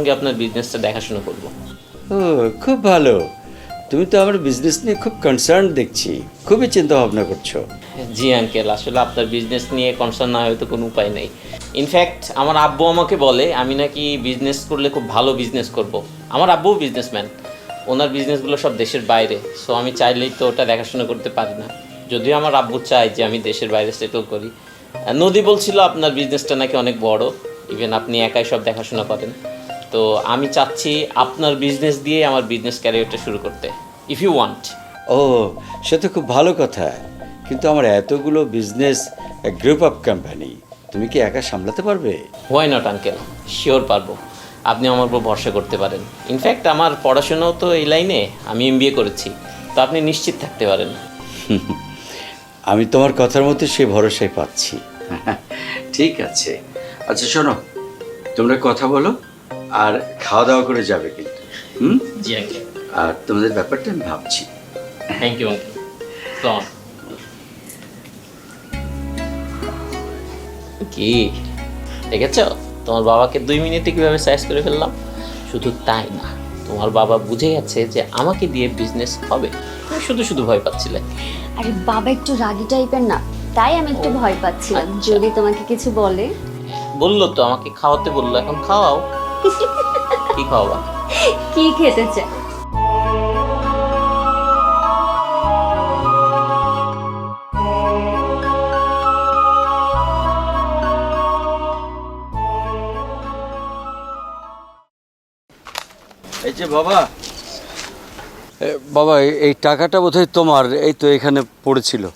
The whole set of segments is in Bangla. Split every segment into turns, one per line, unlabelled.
সঙ্গে আপনার বিজনেসটা দেখাশোনা করব।
ও খুব ভালো, তুমি তো আমার বিজনেস নিয়ে খুব কনসার্ন দেখছি, খুবই চিন্তা ভাবনা করছো।
জি আঙ্কেল, আসলে আপনার বিজনেস নিয়ে কনসার্ন না হয়তো কোনো উপায় নেই। ইনফ্যাক্ট আমার আব্বু আমাকে বলে আমি নাকি বিজনেস করলে খুব ভালো বিজনেস করব। আমার আব্বুও বিজনেসম্যান, ওনার বিজনেসগুলো সব দেশের বাইরে, সো আমি চাইলেই তো ওটা দেখাশোনা করতে পারি না। যদিও আমার আব্বু চায় যে আমি দেশের বাইরে সেটেল করি। নদী বলছিল আপনার বিজনেসটা নাকি অনেক বড়, ইভেন আপনি একাই সব দেখাশোনা করেন। তো আমি চাচ্ছি আপনার বিজনেস দিয়ে আমার বিজনেস ক্যারিয়ারটা শুরু করতে, ইফ ইউ ওয়ান্ট।
ও সে তো খুব ভালো কথা, কিন্তু আমার এতগুলো বিজনেস, গ্রুপ অফ কোম্পানি, তুমি কি একা সামলাতে পারবে?
হোয়াই নট আঙ্কেল, শিওর পারবো। আপনি আমার উপর ভরসা করতে পারেন। ইনফ্যাক্ট আমার পড়াশোনাও তো এই লাইনে, আমি MBA করেছি, তো আপনি নিশ্চিত থাকতে পারেন।
আমি তোমার কথার মধ্যে সেই ভরসাই পাচ্ছি। ঠিক আছে, আচ্ছা শোনো, তোমরা কথা বলো আর খাওয়া দাওয়া করে যাবে কিন্তু।
জি আঙ্কেল।
আর তোমাদের ব্যাপারটা আমি ভাবছি।
Thank you uncle. কি দেখেছ, তোমার বাবাকে 2 মিনিটে কিভাবে সাইজ করে ফেললাম? শুধু তাই না, তোমার বাবা বুঝে গেছে যে আমাকে দিয়ে বিজনেস হবে। তুমি শুধু শুধু ভয় পাচ্ছিলে।
আরে বাবা একটু রাগী টাইপের না, তাই আমি একটু ভয় পাচ্ছিলাম যদি তোমাকে কিছু বলে।
বললো তো আমাকে খাওয়াতে বললো, এখন খাওয়াও। কি খাওয়াবা?
কি খেতে চায়?
এই যে বাবা, বাবা এই টাকাটা বোধহয় তোমার, এই তো এখানে পড়েছিল।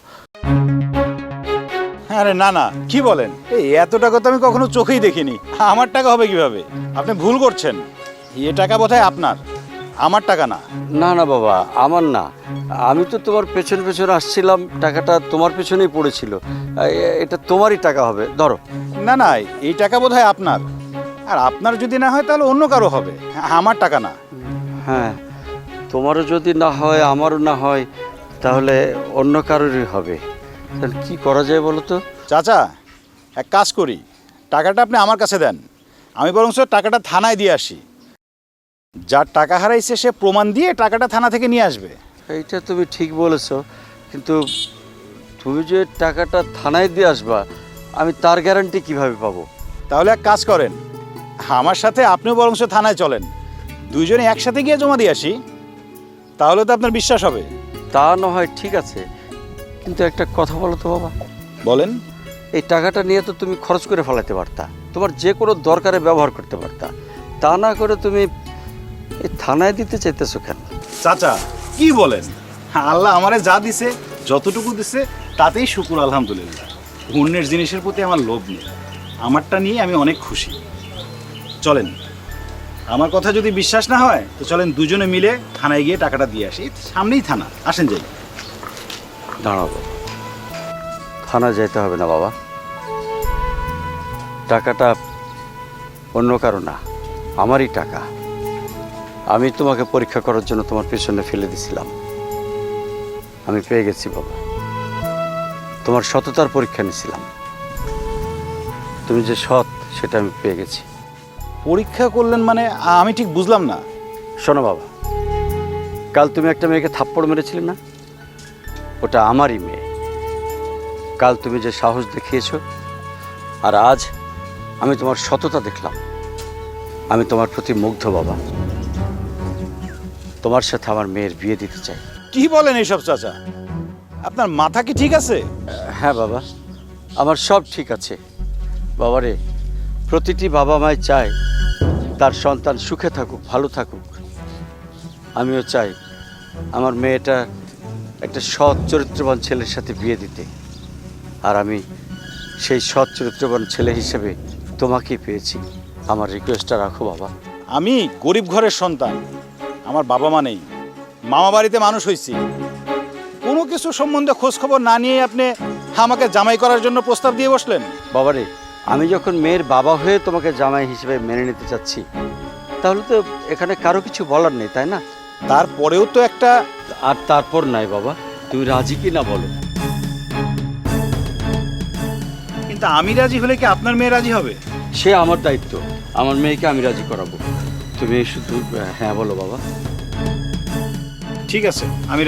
আরে না না, কি বলেন, এই এত টাকা তো আমি কখনো চোখেই দেখিনি। আমার টাকা হবে কিভাবে? আপনি ভুল করছেন, এ টাকা বোধহয় আপনার, আমার টাকা না।
না না বাবা, আমার না, আমি তো তোমার পেছন পেছন আসছিলাম, টাকাটা তোমার পেছনেই পড়েছিল, এটা তোমারই টাকা হবে, ধরো।
না না, এই টাকা বোধহয় আপনার, আর আপনার যদি না হয় তাহলে অন্য কারো হবে, আমার টাকা না।
হ্যাঁ, তোমারও যদি না হয় আমারও না হয় তাহলে অন্য কারোরই হবে। তাহলে কী করা যায় বলো তো?
চাচা, এক কাজ করি, টাকাটা আপনি আমার কাছে দেন, আমি বরং টাকাটা থানায় দিয়ে আসি। যার টাকা হারাইছে সে প্রমাণ দিয়ে টাকাটা থানা থেকে নিয়ে আসবে।
এইটা তুমি ঠিক বলেছো, কিন্তু তুমি যে টাকাটা থানায় দিয়ে আসবা, আমি তার গ্যারান্টি কিভাবে পাবো?
তাহলে এক কাজ করেন, আমার সাথে আপনিও বরং থানায় চলেন, দুইজনে একসাথে গিয়ে জমা দিয়ে আসি, তাহলে তো আপনার বিশ্বাস হবে।
তা না হয় ঠিক আছে, কিন্তু একটা কথা বলো তো বাবা।
বলেন।
এই টাকাটা নিয়ে তো তুমি খরচ করে ফেলাতে পারতা, তোমার যে কোনো দরকারে ব্যবহার করতে পারতা, তা না করে তুমি এই থানায় দিতে চাইতেছো কেন?
চাচা কি বলেন, আল্লাহ আমারে যা দিছে, যতটুকু দিছে তাতেই শুকুর আলহামদুলিল্লাহ। অন্যের জিনিসের প্রতি আমার লোভ নেই, আমারটা নিয়ে আমি অনেক খুশি। চলেন, আমার কথা যদি বিশ্বাস না হয় তো চলেন দুজনে মিলে থানায় গিয়ে টাকাটা দিয়ে আসি, সামনেই থানা, আসেন যাই।
দাঁড়াবো, থানা যেতে হবে না বাবা, টাকাটা অন্য কারো না, আমারই টাকা। আমি তোমাকে পরীক্ষা করার জন্য তোমার পেছনে ফেলে দিছিলাম, আমি পেয়ে গেছি বাবা। তোমার সততার পরীক্ষা নিয়েছিলাম, তুমি যে সৎ সেটা আমি পেয়ে গেছি।
পরীক্ষা করলেন মানে আমি ঠিক বুঝলাম না।
শোনো বাবা, কাল তুমি একটা মেয়েকে থাপ্পড় মেরেছিলে না, ওটা আমারই মেয়ে। কাল তুমি যে সাহস দেখিয়েছো, আর আজ আমি তোমার সততা দেখলাম, আমি তোমার প্রতি মুগ্ধ বাবা। তোমার সাথে আমার মেয়ের বিয়ে দিতে চাই।
কি বলেন এইসব চাচা, আপনার মাথা কি ঠিক আছে?
হ্যাঁ বাবা, আমার সব ঠিক আছে বাবারে। প্রতিটি বাবা মাই চায় তার সন্তান সুখে থাকুক, ভালো থাকুক। আমিও চাই আমার মেয়েটা একটা সৎ চরিত্রবান ছেলের সাথে বিয়ে দিতে, আর আমি সেই সৎ চরিত্রবান ছেলে হিসেবে তোমাকেই পেয়েছি। আমার রিকোয়েস্টটা রাখো বাবা।
আমি গরিব ঘরের সন্তান, আমার বাবা মা নেই, মামা বাড়িতে মানুষ হয়েছি। কোনো কিছু সম্বন্ধে খোঁজ খবর না নিয়ে আপনি আমাকে জামাই করার জন্য প্রস্তাব দিয়ে বসলেন।
বাবারে, আমি যখন মেয়ের বাবা হয়ে তোমাকে জামাই হিসেবে মেনে নিতে চাচ্ছি, তাহলে তো এখানে কারো কিছু বলার নেই, তাই না?
তারপরেও তো একটা।
আর তারপর নাই বাবা, তুমি রাজি কি না বলো।
কিন্তু আমি রাজি হলে কি আপনার মেয়ে রাজি হবে?
সে আমার দায়িত্ব, আমার মেয়েকে আমি রাজি করাবো। তুমি শুধু হ্যাঁ বলো বাবা।
ঠিক আছে, আমি